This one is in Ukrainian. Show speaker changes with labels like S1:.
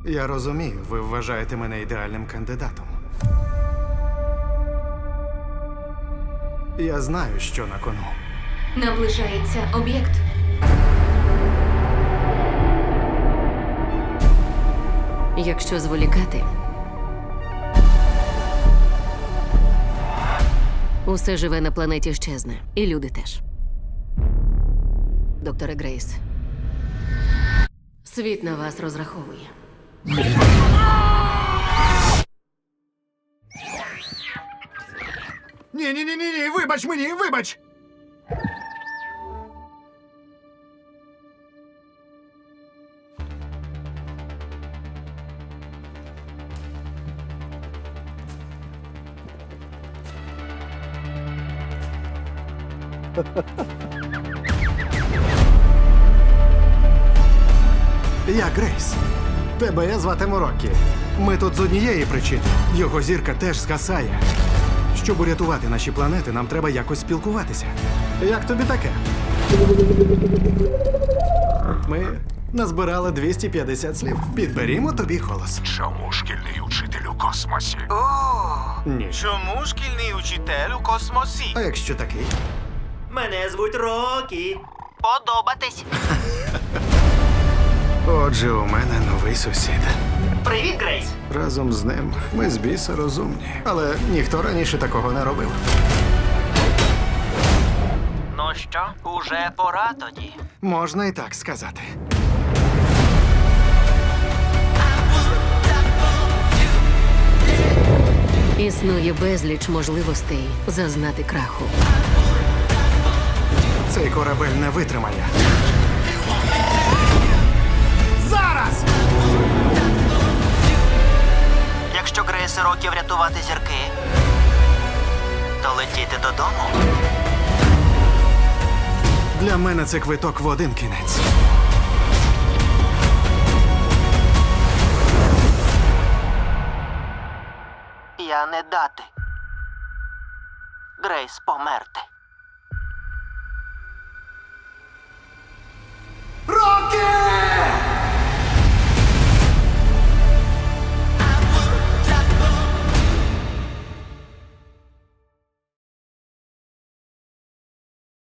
S1: Я розумію, ви вважаєте мене ідеальним кандидатом. Я знаю, що на кону.
S2: Наближається об'єкт.
S3: Якщо зволікати, усе живе на планеті щезне. І люди теж. Докторе Грейс, світ на вас розраховує.
S1: Ні, вибач мені, вибач! Я Грейс. Тебе зватиму Роккі. Ми тут з однієї причини. Його зірка теж згасає. Щоб урятувати наші планети, нам треба якось спілкуватися. Як тобі таке? Ми назбирали 250 слів. Підберімо тобі голос.
S4: Чому шкільний учитель у космосі?
S1: Ні.
S5: Чому шкільний учитель у космосі?
S1: А якщо такий?
S5: Мене звуть Рокі. Подобатись.
S1: Отже, у мене новий сусід.
S5: Привіт, Грейс.
S1: Разом з ним ми з біса розумні. Але ніхто раніше такого не робив.
S5: Ну що, уже пора тоді.
S1: Можна і так сказати.
S3: Існує безліч можливостей зазнати краху.
S1: Цей корабель не витримає. Зараз!
S5: Якщо Грейс і Рокі врятувати зірки, то летіти додому.
S1: Для мене це квиток в один кінець.
S5: Я не дати. Грейс померти.